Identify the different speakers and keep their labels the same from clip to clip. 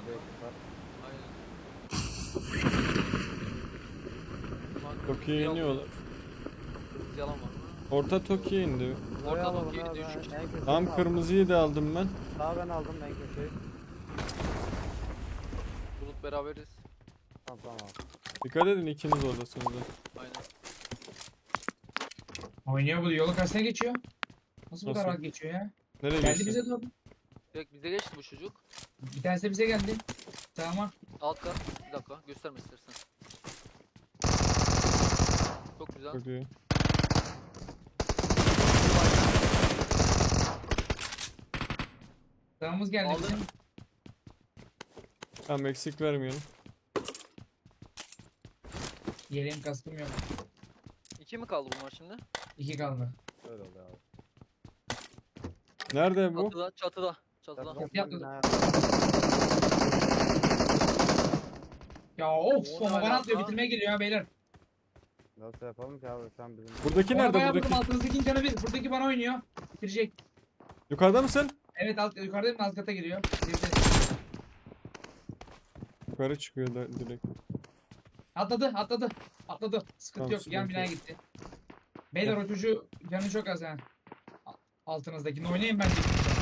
Speaker 1: Hadi ekipler.
Speaker 2: Aynen.
Speaker 3: Tokyo'ya iniyorlar.
Speaker 2: Yalan var.
Speaker 3: Orta Tokyo'ya indi.
Speaker 1: Buraya
Speaker 2: Orta
Speaker 1: alalım
Speaker 2: Tokyo'yu
Speaker 1: ya,
Speaker 2: düşük.
Speaker 1: en köşeyi
Speaker 3: Tam
Speaker 1: aldım.
Speaker 3: kırmızıyı da aldım ben.
Speaker 1: Sağ ben aldım en köşeyi.
Speaker 2: Bulut beraberiz.
Speaker 1: Tamam.
Speaker 3: Dikkat edin ikiniz oradasınız. da.
Speaker 2: Aynen.
Speaker 4: Oynuyor bu yolun karşısına geçiyor. Nasıl bu
Speaker 3: Nasıl?
Speaker 4: kadar rahat geçiyor ya?
Speaker 3: Nereye
Speaker 4: Geldi
Speaker 3: geçti?
Speaker 4: bize doğru.
Speaker 2: Direkt bize geçti bu çocuk.
Speaker 4: Bir tanesi de bize geldi. Tamam.
Speaker 2: Alt kat. Bir dakika gösterme istersen. Çok güzel.
Speaker 3: Çok iyi.
Speaker 4: Sağımız geldi
Speaker 2: Aldın.
Speaker 4: bizim.
Speaker 3: Tamam eksik vermeyelim.
Speaker 4: Yeleğim kaskım yok.
Speaker 2: 2 mi kaldı bunlar şimdi?
Speaker 4: 2 kaldı.
Speaker 1: Öyle oluyor abi.
Speaker 3: Nerede bu?
Speaker 2: Çatıda, çatıda. Çatıda.
Speaker 4: Yok, yapmadım.
Speaker 1: Ha,
Speaker 4: Ya of
Speaker 2: O ne
Speaker 4: bomba bana
Speaker 2: alaka?
Speaker 4: atlıyor bitirmeye geliyor ya beyler.
Speaker 1: Nasıl yapalım ki abi sen bizim...
Speaker 3: Buradaki
Speaker 4: Ona
Speaker 3: nerede?
Speaker 4: bayağı
Speaker 3: Buradaki.
Speaker 4: vurdum altınızdaki canı bir. Buradaki bana oynuyor. Bitirecek.
Speaker 3: Yukarıda mısın?
Speaker 4: Evet yukarıdayım alt kata giriyor. Girdi.
Speaker 3: Yukarı çıkıyor da direkt.
Speaker 4: Atladı. Sıkıntı
Speaker 3: Tamam,
Speaker 4: yok. Yan
Speaker 3: sıkıntı
Speaker 4: binaya
Speaker 3: yok.
Speaker 4: gitti. Beyler o çocuğu canı çok az ha. Altınızdakini oynayın bence.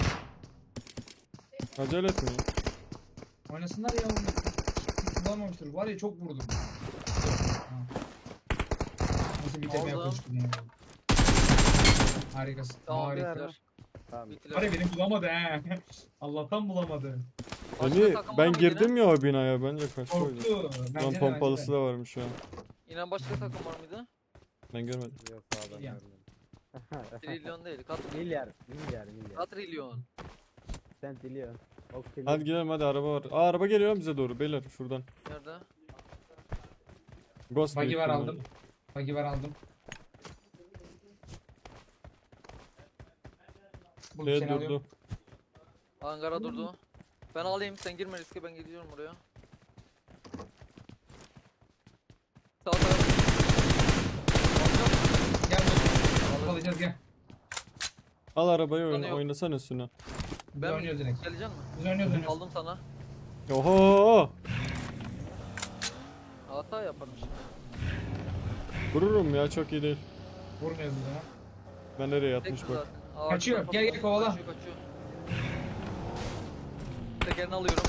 Speaker 3: Acele etmeyin.
Speaker 4: Oynasınlar ya onu. Kullanmamıştır. Var ya çok vurdum. Ha. Nasıl bitirmeye
Speaker 2: Aldım.
Speaker 4: koştum ya. Harikasın.
Speaker 2: Tamam
Speaker 4: Harika.
Speaker 2: bittiler.
Speaker 1: Tamam.
Speaker 4: Var
Speaker 2: Bittiler.
Speaker 4: ya beni bulamadı he. Allah'tan bulamadı.
Speaker 2: Başka
Speaker 3: Beni,
Speaker 2: takım var
Speaker 3: ben
Speaker 2: mıydı
Speaker 3: girdim ya o binaya bence kaçtı o yüzden.
Speaker 4: Korktu.
Speaker 3: Lan
Speaker 4: Bence de,
Speaker 3: pompalısı
Speaker 4: bence de.
Speaker 3: da varmış ya.
Speaker 2: İnan başka takım var mıydı?
Speaker 3: Ben görmedim.
Speaker 1: Yok sağdan
Speaker 4: Milyar.
Speaker 1: görmedim.
Speaker 2: Trilyon değil.
Speaker 1: Milyar.
Speaker 2: Katrilyon.
Speaker 1: Sen trilyon. O trilyon.
Speaker 3: Hadi gidelim hadi araba var. Aa araba geliyor lan bize doğru beyler şuradan.
Speaker 2: Nerede?
Speaker 3: Ghost
Speaker 4: Buggy
Speaker 3: büyük
Speaker 4: var
Speaker 3: ihtimal.
Speaker 4: aldım. Buggy var aldım. Bu
Speaker 3: Şey
Speaker 4: seni alıyorum.
Speaker 3: durdu.
Speaker 2: Angara durdu. Ben alayım sen girme riske ben gidiyorum oraya. Sağ taraf.
Speaker 4: Gel dur. Alacağız gel.
Speaker 3: Al arabayı
Speaker 2: Bana
Speaker 3: oyna,
Speaker 2: yok.
Speaker 3: oynasana üstüne.
Speaker 4: Biz
Speaker 2: Ben
Speaker 4: oynuyoruz direkt.
Speaker 2: gelecek misin?
Speaker 4: Biz oynuyoruz.
Speaker 2: Aldım sana.
Speaker 3: Oho!
Speaker 2: Hata yaparım şimdi.
Speaker 3: Vururum ya çok iyi değil.
Speaker 4: Vurmuyoruz biz ona.
Speaker 3: Ben nereye
Speaker 2: Tek
Speaker 3: yatmış
Speaker 2: mi
Speaker 3: bak.
Speaker 2: zaten? Ağaç
Speaker 4: Kaçıyor,
Speaker 2: tarafa
Speaker 4: gel, gel,
Speaker 2: doğru.
Speaker 4: kovala.
Speaker 2: Kaçıyor. Tekerini alıyorum.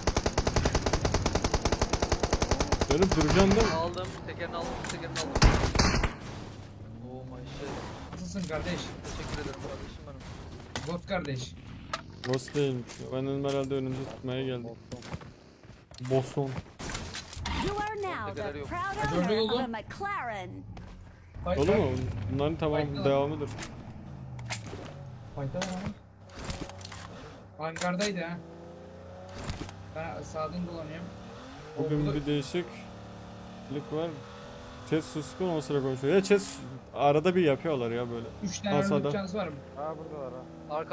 Speaker 3: Dönüp duracağım değil mi?
Speaker 2: Aldım. Tekerini aldım. Tekerini aldım. Oh my shit.
Speaker 4: Nasılsın kardeş?
Speaker 2: Teşekkür ederim kardeşim benim.
Speaker 4: Ghost kardeş.
Speaker 3: Ghost değilmiş. Ben dedim herhalde önümüzü tutmaya geldim. Boston.
Speaker 5: You are now
Speaker 2: Tekeleri
Speaker 5: the
Speaker 2: yok.
Speaker 5: proud
Speaker 4: Dördü
Speaker 5: owner
Speaker 4: oldu.
Speaker 5: of a McLaren.
Speaker 3: Dolu mu? Bunların tamam
Speaker 4: Fight'ta.
Speaker 3: devamıdır.
Speaker 4: Fayda var ama. Hangardaydı ha. Ben sağdan dolanıyorum. O
Speaker 3: Bugün
Speaker 4: burada-
Speaker 3: bir değişiklik var. Chat suskun o sıra konuşuyor. Ya chat arada bir yapıyorlar ya böyle.
Speaker 4: 3 tane
Speaker 3: Al
Speaker 4: ölüm
Speaker 3: sağda.
Speaker 4: şansı var mı?
Speaker 1: Aa burada var ha.
Speaker 2: Arka.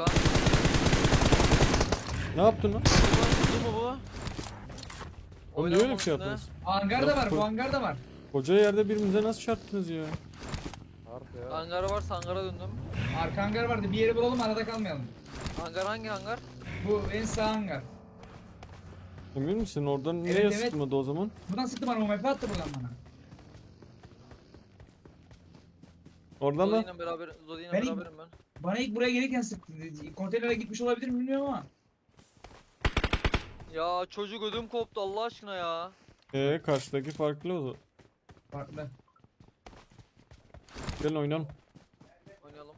Speaker 3: Ne yaptın lan?
Speaker 2: Bu mu bu?
Speaker 3: Oğlum niye öyle bir
Speaker 2: Oynamam
Speaker 3: şey
Speaker 2: üstüne.
Speaker 3: yaptınız?
Speaker 4: Hangar da
Speaker 3: Yok,
Speaker 4: var,
Speaker 3: bu-
Speaker 4: bu hangar da var.
Speaker 3: Koca yerde birbirimize nasıl çarptınız ya?
Speaker 1: Harbi ya.
Speaker 2: Hangara varsa hangara döndüm.
Speaker 4: Arka hangar vardı. Bir yeri bulalım arada kalmayalım.
Speaker 2: Hangar hangi hangar?
Speaker 4: Bu en sağ hangar.
Speaker 3: Emin misin? Oradan
Speaker 4: Evet,
Speaker 3: niye
Speaker 4: evet.
Speaker 3: sıkmadı o zaman?
Speaker 4: Buradan sıktı bana, UMP attı buradan bana.
Speaker 3: Oradan da
Speaker 2: Zodi'yle beraber, Zodi'yle
Speaker 4: Ben-
Speaker 2: beraberim ben.
Speaker 4: Bana ilk buraya gelirken sıktı. Konteynere gitmiş olabilir mi bilmiyorum ama.
Speaker 2: Ya çocuk ödüm koptu Allah aşkına ya.
Speaker 3: karşıdaki farklı o zaman.
Speaker 4: Farklı.
Speaker 3: Gelin oynayalım.
Speaker 2: Oynayalım.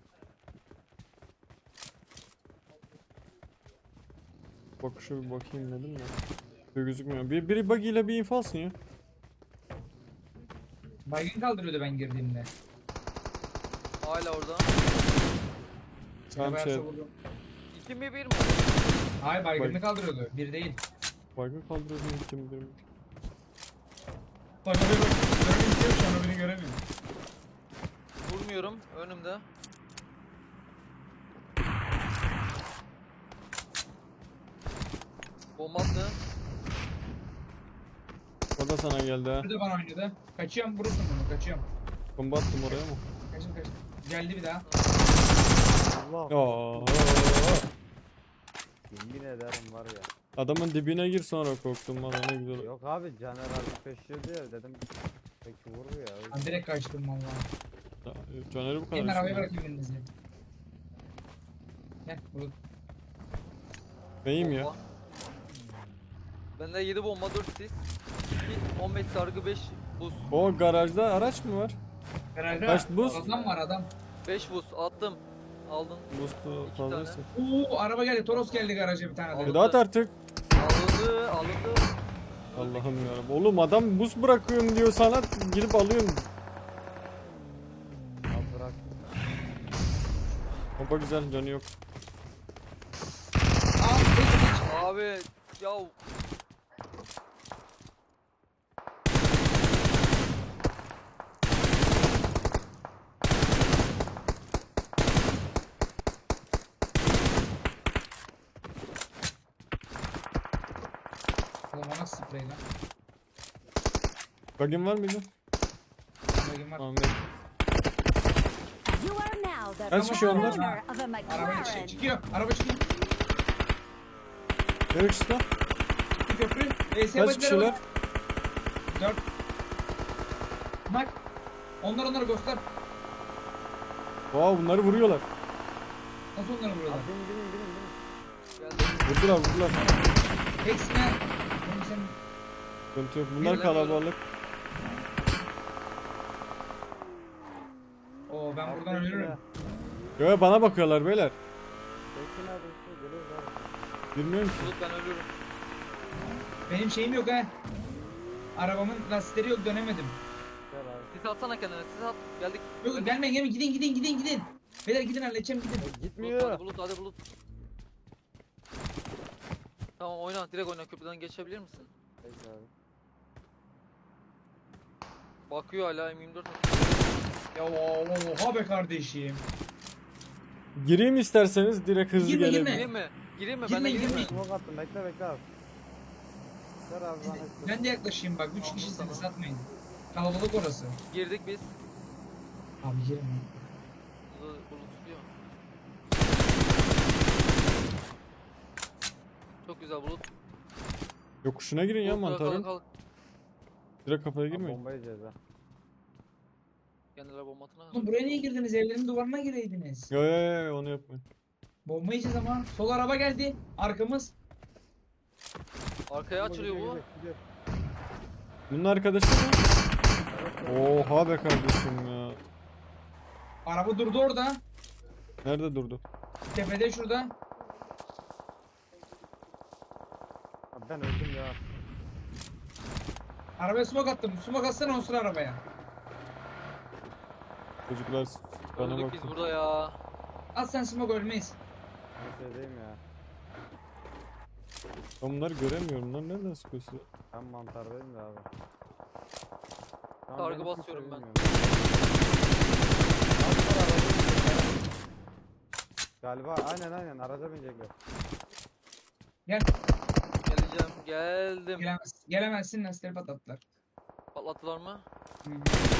Speaker 3: Bak şu bir bakayım dedim de. Bir gözükmüyor. Biri buggy ile bir info alsın ya.
Speaker 4: Baygın kaldırıyordu ben girdiğimde.
Speaker 2: Hala orada.
Speaker 3: Tamam,
Speaker 4: Bayağı
Speaker 3: şey-
Speaker 4: savurdum.
Speaker 2: 2 mi 1 mi?
Speaker 4: Hayır baygınını kaldırıyordu. Bir değil.
Speaker 3: Baygın kaldırıyordum kim bilir.
Speaker 4: Bak oraya bak. Görmüyor sonra beni göremiyor.
Speaker 2: Vurmuyorum önümde. Bomba attı.
Speaker 3: O da sana geldi ha.
Speaker 4: Bir de bana oynadı. Kaçıyorum vurursun bunu kaçıyorum.
Speaker 3: Bomba attım oraya mı?
Speaker 4: Kaçtım. Geldi bir daha.
Speaker 1: Allah.
Speaker 3: Ya.
Speaker 1: Yemin ederim var ya.
Speaker 3: Adamın dibine gir sonra korktum valla ne güzel.
Speaker 1: Yok abi Caner abi peşiyor diye dedim. Peki vurdu ya. o yüzden.
Speaker 4: Ben direkt kaçtım valla.
Speaker 3: Caner'i bu kadar.
Speaker 4: Gelin arabaya
Speaker 3: düşünüyorum.
Speaker 4: bırakayım elinizi. Gel Bulut.
Speaker 3: Beyim ya.
Speaker 2: Bomba. Bende 7 bomba 4 sis. 15 sargı 5 buz.
Speaker 3: O garajda araç mı var?
Speaker 4: Herhalde
Speaker 3: Kaç buz?
Speaker 4: adam var adam.
Speaker 2: 5 buz attım. Aldın.
Speaker 3: Mustu
Speaker 2: İki
Speaker 3: fazlaysa.
Speaker 4: Oo araba geldi. Toros geldi garaja bir tane de.
Speaker 2: Aldı.
Speaker 3: Dağıt artık.
Speaker 2: Alındı. Alındı.
Speaker 3: Allah'ım yarabbim. Oğlum adam buz bırakıyorum diyor sana girip alıyorum.
Speaker 1: Abi bırak.
Speaker 3: Bomba güzel canı yok.
Speaker 4: Aa, geç.
Speaker 2: Abi ya
Speaker 4: Oğlum o nasıl sprey lan?
Speaker 3: Bug'in var mıydı?
Speaker 4: Bakayım var.
Speaker 3: Ahmet.
Speaker 5: You are now the
Speaker 3: Kaç kişi onlar?
Speaker 5: owner of a
Speaker 4: Araba
Speaker 5: McLaren.
Speaker 4: çıkıyor. Araba çıkıyor.
Speaker 3: Evet işte.
Speaker 4: Çıktı köprü.
Speaker 3: Kaç kişiler?
Speaker 4: 4. Bak. Onlar göster.
Speaker 3: Wow bunları vuruyorlar.
Speaker 4: Nasıl onları vuruyorlar?
Speaker 1: Abi binin.
Speaker 2: geldi.
Speaker 3: Vurdular.
Speaker 4: Hepsine. Oğlum sen
Speaker 3: Sıkıntı yok. Bunlar
Speaker 2: Bilemiyorum.
Speaker 3: kalabalık.
Speaker 4: Oo ben
Speaker 1: Abi
Speaker 4: buradan
Speaker 1: bekle.
Speaker 4: ölürüm.
Speaker 3: Yo bana bakıyorlar beyler.
Speaker 1: Bekle abi işte geliyoruz abi.
Speaker 3: Bilmiyorum ki.
Speaker 2: Bulut ben ölürüm.
Speaker 4: Benim şeyim yok ha. Arabamın lastikleri yok dönemedim.
Speaker 1: Gel abi.
Speaker 2: Sis atsana kendine. Sis at. Geldik.
Speaker 4: Yok gelmeyin gidin. Beyler gidin halledeceğim gidin.
Speaker 2: Bulut
Speaker 1: Gitmiyor.
Speaker 2: hadi Bulut hadi Bulut. Tamam oyna. Direkt oyna. Köprüden geçebilir misin?
Speaker 1: Bekle abi.
Speaker 2: Bakıyor hala M24.
Speaker 4: Ya oha be kardeşim.
Speaker 3: Gireyim isterseniz direkt hızlı
Speaker 4: Girme,
Speaker 3: gelelim.
Speaker 4: girme.
Speaker 2: Gireyim mi? Gireyim mi?
Speaker 4: Girme,
Speaker 2: Ben de gireyim mi?
Speaker 4: girme.
Speaker 1: Smoke attım bekle abi. Ver abi bana.
Speaker 4: Ben de yaklaşayım bak 3 kişisiniz satmayın. Kalabalık orası.
Speaker 2: Girdik biz.
Speaker 4: Abi girin.
Speaker 2: Bulut tutuyor. Çok güzel Bulut.
Speaker 3: Yokuşuna girin ya
Speaker 2: Bulut, kalk,
Speaker 3: mantarın.
Speaker 2: kalk.
Speaker 3: Direkt kafaya
Speaker 1: Abi
Speaker 3: girmeyin.
Speaker 1: bomba yiyeceğiz ha.
Speaker 2: Kendileri bomba atına.
Speaker 4: Oğlum buraya niye girdiniz? Evlerin duvarına gireydiniz.
Speaker 3: Yo onu yapmayın.
Speaker 4: Bomba yiyeceğiz ama. Sol araba geldi. Arkamız.
Speaker 2: Arkaya açılıyor bu.
Speaker 1: Gidiyor.
Speaker 3: Bunun arkadaşı mı? Oha be kardeşim ya.
Speaker 4: Araba durdu orada.
Speaker 3: Nerede durdu?
Speaker 4: Tepede şurada.
Speaker 1: Abi ben öldüm ya.
Speaker 4: Arabaya smoke attım. Smoke atsana o sıra arabaya.
Speaker 3: Çocuklar bana
Speaker 2: Öldük biz
Speaker 3: bakın.
Speaker 2: burada ya.
Speaker 4: At sen smoke ölmeyiz.
Speaker 1: Ben şeydeyim ya.
Speaker 3: Ben bunları göremiyorum lan nereden sıkıyorsun?
Speaker 1: Ben mantardayım da abi. Şu an
Speaker 2: Sargı
Speaker 1: beni kimse
Speaker 2: basıyorum ben.
Speaker 1: bilmiyor. Abi var, araca binecekler. Galiba aynen araca binecekler.
Speaker 4: Gel.
Speaker 2: Geleceğim. Geldim.
Speaker 4: Gelemezsin lastikleri patlattılar.
Speaker 2: Patlattılar mı?
Speaker 4: Hı hı.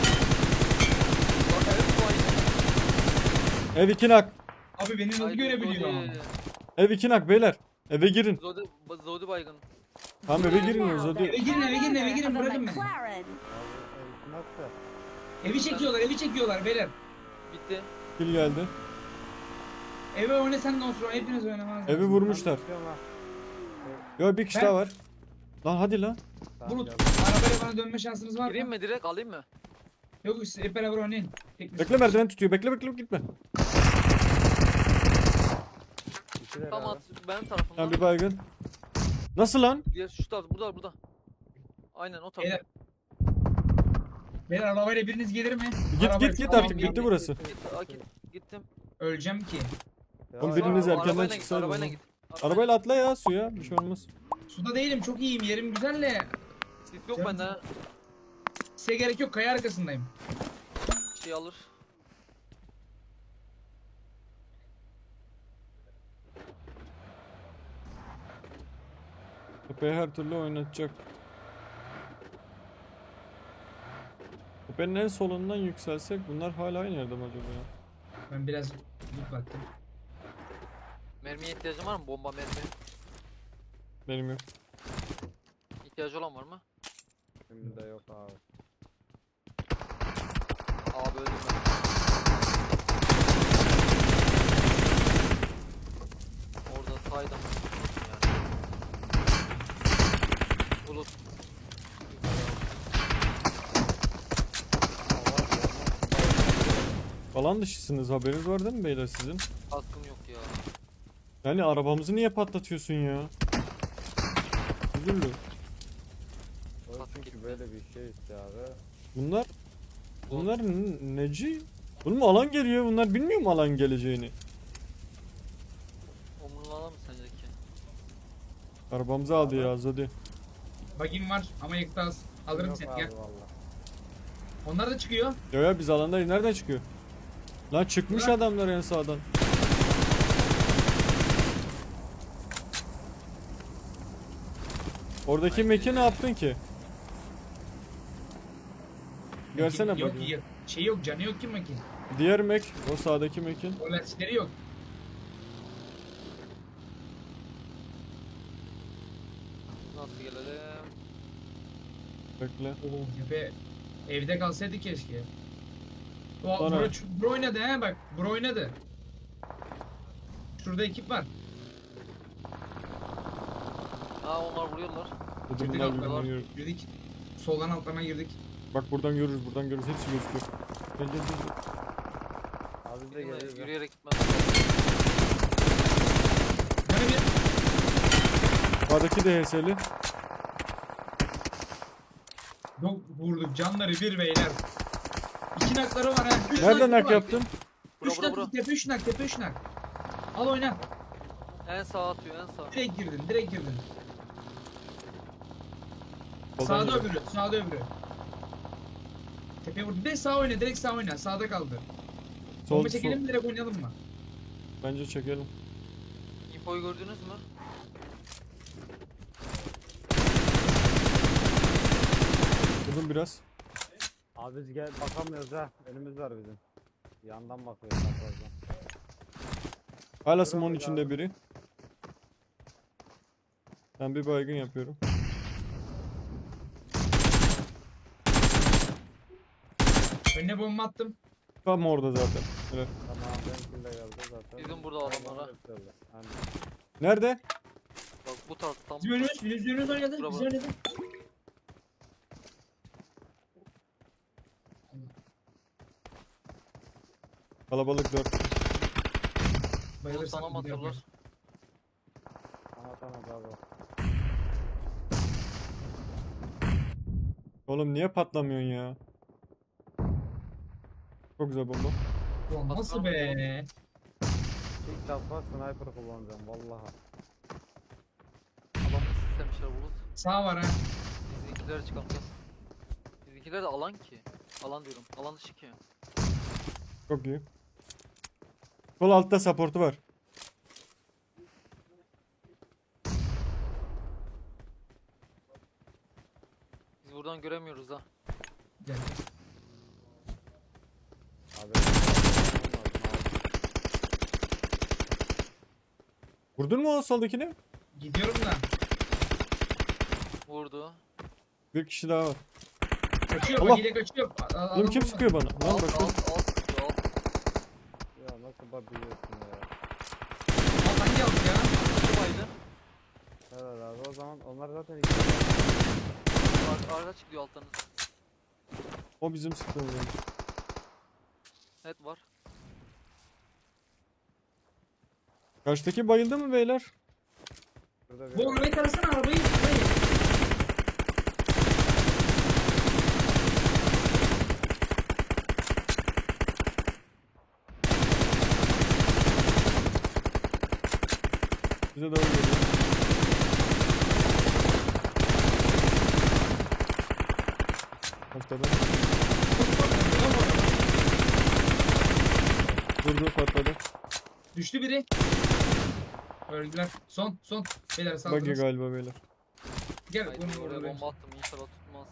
Speaker 2: Bak evet bu aynı.
Speaker 3: Ev 2 nak.
Speaker 4: Abi beni nasıl
Speaker 2: Haydi
Speaker 4: görebiliyor?
Speaker 2: Zodi.
Speaker 3: Ev 2 nak beyler. Eve girin.
Speaker 2: Zodi baygın.
Speaker 3: Tamam
Speaker 5: You
Speaker 3: eve
Speaker 5: are
Speaker 3: girin
Speaker 5: now
Speaker 3: Zodi.
Speaker 5: the
Speaker 4: Eve girin, eve girin, eve
Speaker 5: owner
Speaker 4: girin,
Speaker 5: of a
Speaker 4: bırakın beni.
Speaker 5: McLaren.
Speaker 1: Abi nasıl?
Speaker 4: Evi çekiyorlar beyler.
Speaker 2: Bitti.
Speaker 3: Kill geldi.
Speaker 4: Eve oyna sen de olsun. Hepiniz oynamanız
Speaker 3: Evi
Speaker 4: lazım.
Speaker 3: vurmuşlar. Yo bir kişi
Speaker 4: Ben-
Speaker 3: daha var. Lan hadi lan.
Speaker 4: Bulut. Arabayla bana dönme şansınız var
Speaker 2: Gireyim
Speaker 4: mı?
Speaker 2: mi direkt alayım mı?
Speaker 4: Yok siz hep beraber oynayın. Tek
Speaker 3: Bekle merdiven tutuyor. Bekle gitme.
Speaker 2: Tam at benim
Speaker 3: Tamam
Speaker 2: tarafımdan.
Speaker 3: bir baygın. Nasıl lan?
Speaker 2: Diğer şu taraf burada. Aynen o taraf.
Speaker 4: Beyler. Beyler arabayla biriniz gelir mi? Arabayla-
Speaker 3: Git artık bitti burası.
Speaker 2: Gittim.
Speaker 4: Öleceğim ki.
Speaker 3: Oğlum biriniz
Speaker 2: Aa,
Speaker 3: erkenden
Speaker 2: arabayla git,
Speaker 3: çıksaydınız
Speaker 2: Arabayla
Speaker 3: lan.
Speaker 2: git.
Speaker 3: Arabayla atla ya suya. Bir şey olmaz.
Speaker 4: Suda değilim çok iyiyim yerim güzel de.
Speaker 2: Sis yok
Speaker 4: Canım.
Speaker 2: bende.
Speaker 4: Size gerek yok kaya arkasındayım.
Speaker 2: Şey alır.
Speaker 3: Tepeyi her türlü oynatacak. Tepenin en solundan yükselsek bunlar hala aynı yerde mi acaba ya?
Speaker 4: Ben biraz loot baktım.
Speaker 2: Mermiye ihtiyacım var mı? Bomba mermi.
Speaker 3: Benim yok.
Speaker 2: İhtiyacı olan var mı?
Speaker 1: Şimdi de yok abi.
Speaker 2: Abi öldüm ben. Orada saydım. Yani. Bulut.
Speaker 3: Alan dışısınız, haberiniz var değil mi beyler sizin?
Speaker 2: Kaskım yok ya.
Speaker 3: Yani arabamızı niye patlatıyorsun ya? Üzüldü.
Speaker 1: O
Speaker 2: Kask
Speaker 1: çünkü
Speaker 2: gitti.
Speaker 1: böyle bir şey işte abi.
Speaker 3: Bunlar neci? Oğlum alan geliyor, bunlar bilmiyor mu alan geleceğini?
Speaker 2: Omurlana mı sence ki?
Speaker 3: Arabamızı aldı ya Zodi.
Speaker 4: Bagim var ama yakıt az. Alırım
Speaker 1: Yok
Speaker 4: seni
Speaker 1: abi
Speaker 4: gel.
Speaker 1: valla.
Speaker 4: Onlar da çıkıyor.
Speaker 3: Ya biz alandayız, nereden çıkıyor? Lan çıkmış
Speaker 4: Bırak.
Speaker 3: adamlar en sağdan. Oradaki meki ne yaptın ki? Görsene
Speaker 4: Yok
Speaker 3: bakayım.
Speaker 4: yok. Şey yok, canı yok ki makin.
Speaker 3: Diğer mek, o sağdaki mekin.
Speaker 4: O lastikleri yok.
Speaker 2: Nasıl gelelim?
Speaker 3: Bekle.
Speaker 4: Tepe evde kalsaydı keşke. O
Speaker 3: Bana-
Speaker 4: bro oynadı he bak. Bro oynadı. Şurada ekip var.
Speaker 2: Ha onlar vuruyorlar.
Speaker 3: Dedim
Speaker 4: Girdik
Speaker 3: bunlar
Speaker 4: altlarına.
Speaker 3: birbirini görüyor.
Speaker 4: Girdik. Soldan altlarına girdik.
Speaker 3: Bak buradan görürüz, buradan görürüz. Hepsi gözüküyor. Gel gel gel.
Speaker 1: Abi biz de
Speaker 2: Değil mi?
Speaker 1: geliyoruz.
Speaker 2: Yürüyerek gitmez.
Speaker 4: Böyle bir
Speaker 3: Sağdaki de HS'li.
Speaker 4: yok vurduk. Canları bir beyler. 2 nakları var ha. Üç
Speaker 3: Nereden
Speaker 4: nakları
Speaker 3: nak
Speaker 4: var.
Speaker 3: yaptın?
Speaker 4: 3
Speaker 2: Bura, bura,
Speaker 4: nak, tepe 3 nak, tepe 3 nak. Al oyna.
Speaker 2: En sağ atıyor en sağ.
Speaker 4: Direkt girdin, direkt girdin.
Speaker 3: Soldan
Speaker 4: Sağda
Speaker 3: yürü.
Speaker 4: öbürü, sağda öbürü. Tepeye vurdu. Direkt sağ oyna, direkt sağ oyna. Sağda kaldı.
Speaker 3: Sol,
Speaker 4: Bomba
Speaker 3: sol.
Speaker 4: çekelim mi, direkt oynayalım mı?
Speaker 3: Bence çekelim.
Speaker 2: Infoyu gördünüz mü?
Speaker 3: Vurdum biraz.
Speaker 1: Abi biz gel bakamıyoruz ha. Önümüz var bizim. Yandan bakıyoruz çaprazdan.
Speaker 3: Hala
Speaker 1: Dur
Speaker 3: Simon'un
Speaker 1: abi,
Speaker 3: içinde
Speaker 1: abi.
Speaker 3: biri. Ben bir baygın yapıyorum.
Speaker 4: Önüne bomba attım.
Speaker 3: Tam orada zaten. Evet.
Speaker 1: Tamam benimkinde geldi zaten.
Speaker 2: Bizim burada adamlar ha.
Speaker 1: Aynen.
Speaker 3: Nerede?
Speaker 2: Bak bu tarz tam
Speaker 4: Bizim önümüz, bizim önümüz oynadı.
Speaker 2: Bravo.
Speaker 4: Bizim oynadı.
Speaker 3: Kalabalık 4.
Speaker 2: Bunu
Speaker 4: Bayılırsan
Speaker 2: sana mı
Speaker 4: bir daha
Speaker 2: atıyorlar?
Speaker 1: Tamam tamam abi.
Speaker 3: Oğlum niye patlamıyorsun ya? Çok güzel bomba.
Speaker 4: Ulan nasıl be?
Speaker 1: İlk defa sniper kullanacağım vallahi.
Speaker 2: Adam istemişler bulut.
Speaker 4: Sağ var ha.
Speaker 2: Bizimkiler çıkalım gel. Bizimkiler de alan ki. Alan diyorum. Alan dışı ki.
Speaker 3: Çok iyi. Sol altta supportu var.
Speaker 2: Biz buradan göremiyoruz ha.
Speaker 4: Gel.
Speaker 1: Abi.
Speaker 3: Vurdun mu o soldakini?
Speaker 4: Gidiyorum da.
Speaker 2: Vurdu.
Speaker 3: Bir kişi daha var.
Speaker 4: Kaçıyor,
Speaker 3: Allah!
Speaker 4: bak yine kaçıyor.
Speaker 3: Oğlum kim sıkıyor bana? Lan
Speaker 2: Alt
Speaker 3: bak.
Speaker 2: alt alt sıkıyor, alt.
Speaker 1: Ya nasıl bakıyorsun ya?
Speaker 4: Al hangi alt ya?
Speaker 2: Kim aydı?
Speaker 1: Evet abi o zaman onlar zaten iki.
Speaker 2: Arka çıkıyor alttan.
Speaker 3: O bizim sıktığımız.
Speaker 2: Evet var.
Speaker 3: Karşıdaki bayıldı mı beyler?
Speaker 1: Şurada
Speaker 4: Bu arabayı tarasana arabayı. Arabayı.
Speaker 3: Bize doğru geliyor. Patladı. Durdu patladı.
Speaker 4: Düştü biri. Öldüler. Son. Beyler
Speaker 3: Buggy
Speaker 4: saldınız.
Speaker 3: galiba beyler.
Speaker 4: Gel
Speaker 2: Haydi
Speaker 4: bunu
Speaker 2: oraya
Speaker 4: vurdu.
Speaker 2: bomba attım inşallah tutmaz.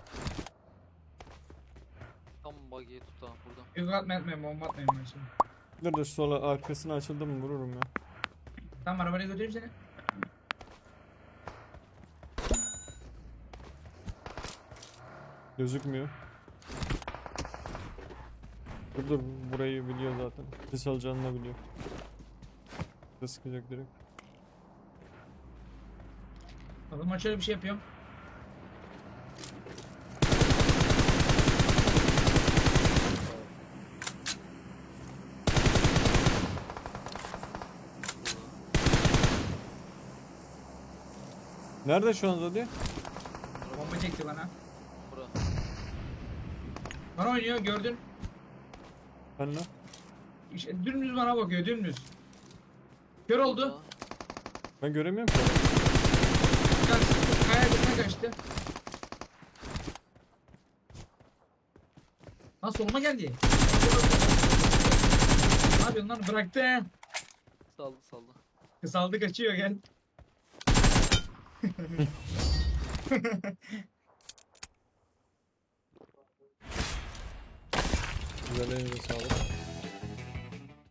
Speaker 2: Tam buggy'yi tut ha burada.
Speaker 4: Yok atmayın bomba atmayın ben şimdi.
Speaker 3: Dur dur sola arkasına açıldı mı vururum ya.
Speaker 4: Tamam arabaya götüreyim seni.
Speaker 3: Gözükmüyor. Dur dur, burayı biliyor zaten. Ses alacağını da biliyor. Ses sıkacak direkt.
Speaker 4: Adam açıyorum bir şey yapıyorum.
Speaker 3: Nerede şu an Zodi?
Speaker 4: Bomba çekti bana.
Speaker 2: Bura.
Speaker 4: Bana oynuyor gördün.
Speaker 3: Ben ne?
Speaker 4: İşte dümdüz bana bakıyor dümdüz. Kör oldu.
Speaker 2: Burada.
Speaker 3: Ben göremiyorum ki.
Speaker 4: Kaya dışına kaçtı. Lan soluma geldi. Ne yapıyorsun lan bıraktı.
Speaker 2: Saldı saldı.
Speaker 4: Kısaldı kaçıyor gel.
Speaker 3: Güzel, elinize sağlık.